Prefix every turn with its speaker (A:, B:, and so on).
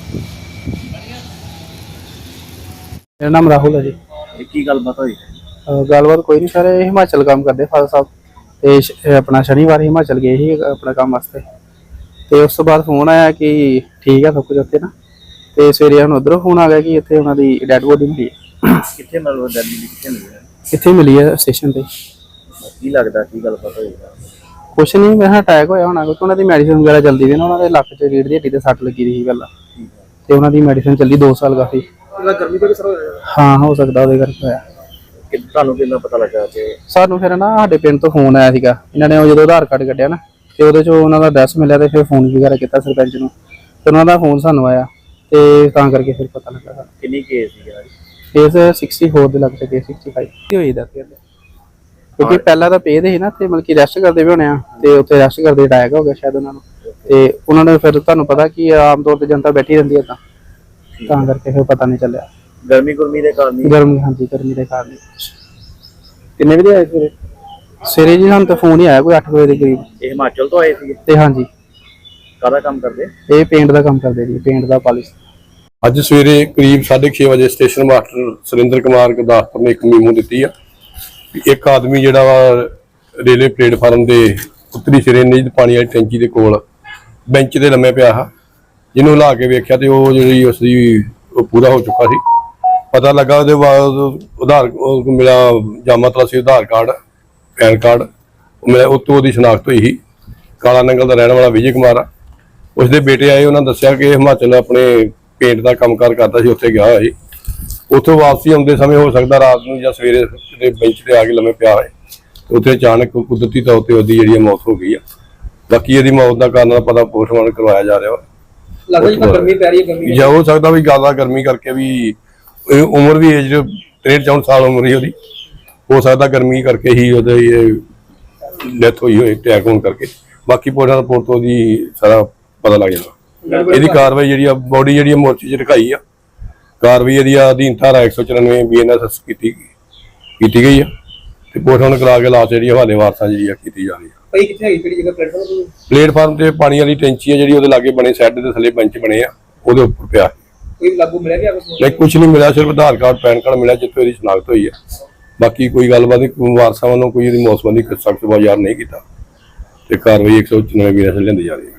A: मेरा नाम राहुल है जी।
B: की गलबात हुई?
A: गलबात कोई नहीं सर, हिमाचल काम करते फादर साहब ते अपना शनिवार हिमाचल गए ही अपना काम वास्ते। तो उस तो बाद फोन आया कि ठीक है सब कुछ उत्थे ना। तो सवेरे हम उधरों फोन आ गया कि इतने उन्होंने डैड बॉडी मिली है।
B: कितने मतलब दिल्ली कितने मिले?
A: कितने मिली है स्टेशन पर।
B: की लगता की गलबात हुई?
A: कुछ नहीं, मैं अटैक होया होना क्योंकि उन्होंने मेडिसिन वगैरह चलती थी ना। उन्होंने लक च रीढ़ दी हड्डी ते सट लगी थी पहला, तो उन्होंने मेडिसिन चली 2 साल काफी।
B: गर्मी तो सर
A: हाँ हो सकता वो करके होया।
B: ਤੁਹਾਨੂੰ ਕਿੰਨਾ ਪਤਾ ਲੱਗਾ ਕਿ
A: ਸਾਨੂੰ ਫਿਰ ਨਾ ਸਾਡੇ ਪਿੰਡ ਤੋਂ ਫੋਨ ਆਇਆ ਸੀਗਾ। ਇਹਨਾਂ ਨੇ ਉਹ ਜਦੋਂ ਆਧਾਰ ਕਾਰਡ ਕੱਢਿਆ ਨਾ ਤੇ ਉਹਦੇ ਚੋਂ ਉਹਨਾਂ ਦਾ ਐਡਰੈਸ ਮਿਲਿਆ ਤੇ ਫਿਰ ਫੋਨ ਵਗੈਰਾ ਕੀਤਾ ਸਰਪੰਚ ਨੂੰ ਤੇ ਉਹਨਾਂ ਦਾ ਫੋਨ ਸਾਨੂੰ ਆਇਆ ਤੇ ਤਾਂ ਕਰਕੇ ਫਿਰ ਪਤਾ ਲੱਗਾ ਸਾਨੂੰ।
B: ਕਿੰਨੀ ਕੇਸ ਸੀਗਾ?
A: ਕੇਸ 64 ਦੇ ਲੱਗ ਚੁੱਕੇ 65 ਕੀ ਹੋਈ ਦਾ ਕਿਉਂਕਿ ਪਹਿਲਾਂ ਤਾਂ ਪੇਦ ਸੀ ਨਾ ਤੇ ਮਤਲਬ ਕਿ ਰੈਸਟ ਕਰਦੇ ਵੀ ਹੋਣੇ ਆ ਤੇ ਉੱਥੇ ਰੈਸਟ ਕਰਦੇ ਅਟੈਕ ਹੋ ਗਿਆ ਸ਼ਾਇਦ ਉਹਨਾਂ ਨੂੰ। ਤੇ ਉਹਨਾਂ ਨੇ ਫਿਰ ਤੁਹਾਨੂੰ ਪਤਾ ਕਿ ਆਮ ਤੌਰ ਤੇ ਜਨਤਾ ਬੈਠੀ ਰਹਿੰਦੀ ਹੈ ਤਾਂ ਕਰਕੇ ਫਿਰ ਪਤਾ ਨਹੀਂ ਚੱਲਿਆ।
B: ਗਰਮੀ ਦੇ ਕਾਰਨ
A: ਗਰਮੀ, ਹਾਂਜੀ ਗਰਮੀ ਦੇ ਕਾਰਨ। ਕਿੰਨੇ ਵਜੇ ਆਏ ਸਵੇਰੇ? ਸਵੇਰੇ ਜੀ ਸਾਨੂੰ ਤਾਂ ਫੋਨ ਹੀ ਆਇਆ ਕੋਈ 8 ਵਜੇ ਦੇ ਕਰੀਬ।
B: ਇਹ ਹਿਮਾਚਲ ਤੋਂ ਆਏ ਸੀ
A: ਤੇ ਹਾਂਜੀ।
B: ਕਾਹਦਾ ਕੰਮ ਕਰਦੇ?
A: ਇਹ ਪੇਂਟ ਦਾ ਕੰਮ ਕਰਦੇ ਜੀ, ਪੇਂਟ ਦਾ ਪਾਲਿਸ਼।
C: ਅੱਜ ਸਵੇਰੇ ਕਰੀਬ 6:30 ਵਜੇ ਸਟੇਸ਼ਨ ਮਾਸਟਰ ਸੁਰਿੰਦਰ ਕੁਮਾਰ ਗੁਰਦਾਸਪੁਰ ਨੇ ਇੱਕ ਮੀਮੋ ਦਿੱਤੀ ਆ ਵੀ ਇੱਕ ਆਦਮੀ ਜਿਹੜਾ ਵਾ ਰੇਲਵੇ ਪਲੇਟਫਾਰਮ ਦੇ ਉੱਤਰੀ ਸਿਰੇ ਨੀਂਦ ਪਾਣੀ ਵਾਲੀ ਟੈਂਕੀ ਦੇ ਕੋਲ ਬੈਂਚ ਤੇ ਲੰਮੇ ਪਿਆ ਆ, ਜਿਹਨੂੰ ਹਿਲਾ ਕੇ ਵੇਖਿਆ ਤੇ ਉਹ ਜਿਹੜੀ ਉਸਦੀ ਪੂਰਾ ਹੋ ਚੁੱਕਾ ਸੀ। ਪਤਾ ਲੱਗਾ ਉਹਦੇ ਬਾਅਦ ਮਿਲਾ ਜਾਮਾ ਤਲਾਸੀ ਆਧਾਰ ਕਾਰਡ, ਪੈਨ ਕਾਰਡ ਮਿਲਿਆ। ਉੱਤੋਂ ਉਹਦੀ ਸ਼ਨਾਖਤ ਹੋਈ ਸੀ। ਕਾਲਾ ਨੰਗਲ ਦਾ ਰਹਿਣ ਵਾਲਾ ਵਿਜੇ ਕੁਮਾਰ ਆ। ਉਸਦੇ ਬੇਟੇ ਆਏ, ਉਹਨਾਂ ਦੱਸਿਆ ਕਿ ਹਿਮਾਚਲ ਆਪਣੇ ਪੇਂਟ ਦਾ ਕੰਮਕਾਰ ਕਰਦਾ ਸੀ, ਉੱਥੇ ਗਿਆ ਹੋਇਆ ਸੀ। ਉੱਥੋਂ ਵਾਪਸੀ ਆਉਂਦੇ ਸਮੇਂ ਹੋ ਸਕਦਾ ਰਾਤ ਨੂੰ ਜਾਂ ਸਵੇਰੇ ਕਿਤੇ ਬੈਂਚ ਤੇ ਆ ਕੇ ਲੰਮੇ ਪਿਆ ਹੋਏ, ਉੱਥੇ ਅਚਾਨਕ ਕੁਦਰਤੀ ਤੌਰ ਤੇ ਉਹਦੀ ਜਿਹੜੀ ਮੌਤ ਹੋ ਗਈ ਆ। ਬਾਕੀ ਇਹਦੀ ਮੌਤ ਦਾ ਕਾਰਨ ਪਤਾ ਪੋਸਟਮਾਰਟਮ ਕਰਵਾਇਆ ਜਾ ਰਿਹਾ ਵਾ।
B: ਲੱਗਦਾ ਜੀ ਗਰਮੀ ਪੈ ਰਹੀ ਹੈ। ਗਰਮੀ
C: ਜਾਂ ਹੋ ਸਕਦਾ ਵੀ ਜ਼ਿਆਦਾ ਗਰਮੀ ਕਰਕੇ ਵੀ ਉਮਰ ਵੀ ਏਜ 63-64 ਸਾਲ ਉਮਰ ਹੀ ਉਹਦੀ, ਹੋ ਸਕਦਾ ਗਰਮੀ ਕਰਕੇ ਹੀ ਉਹਦੇ ਡੈਥ ਹੋਈ ਹੋਏ ਅਟੈਕ ਹੋਣ ਕਰਕੇ। ਬਾਕੀ ਪੋਸਟਮਾਰਟਮ ਰਿਪੋਰਟ ਤੋਂ ਉਹਦੀ ਸਾਰਾ ਪਤਾ ਲੱਗ ਜਾਣਾ। ਇਹਦੀ ਕਾਰਵਾਈ ਜਿਹੜੀ ਆ ਬੋਡੀ ਜਿਹੜੀ ਮੋਰਚੇ 'ਚ ਰਖਾਈ ਆ। ਕਾਰਵਾਈ ਇਹਦੀ ਅਧੀਨ ਧਾਰਾ 194 BNSS ਕੀਤੀ ਗਈ ਆ ਤੇ ਪੋਸਟਮਾਰਟਮ ਕਰਾ ਕੇ ਲਾਸ਼ ਜਿਹੜੀ ਹਵਾਲੇ ਵਾਰਸਾਂ ਜਿਹੜੀ ਆ ਕੀਤੀ ਜਾ ਰਹੀ ਆ।
B: ਭਾਈ ਕਿੱਥੇ ਹੈਗੀ ਕਿਹੜੀ ਜਗ੍ਹਾ?
C: ਪਲੇਟਫਾਰਮ ਤੇ ਪਾਣੀ ਵਾਲੀ ਟੈਂਕੀ ਆ ਜਿਹੜੀ ਉਹਦੇ ਲਾਗੇ ਬਣੇ, ਸੈੱਡ ਦੇ ਥੱਲੇ ਬੈਂਚ ਬਣੇ ਆ, ਉਹਦੇ ਉੱਪਰ ਪਿਆ।
B: ਕੋਈ ਲਾਗੂ ਮਿਲਿਆ ਕਿ
C: ਨਹੀਂ, ਕੁਝ ਨਹੀਂ ਮਿਲਿਆ, ਸਿਰਫ ਆਧਾਰ ਕਾਰਡ ਪੈਨ ਕਾਰਡ ਮਿਲਿਆ ਜਿੱਥੇ ਇਹਦੀ ਸ਼ਨਾਖਤ ਹੋਈ ਆ। ਬਾਕੀ ਕੋਈ ਗੱਲਬਾਤ ਨਹੀਂ, ਵਾਰਸਾਂ ਵੱਲੋਂ ਕੋਈ ਇਹਦੀ ਮੌਤ ਸੰਬੰਧੀ ਸਖਤ ਬਾਜ਼ਾਰ ਨਹੀਂ ਕੀਤਾ ਤੇ ਕਾਰਵਾਈ 194 BNSS ਲੈਂਦੀ ਜਾ ਰਹੀ ਹੈ।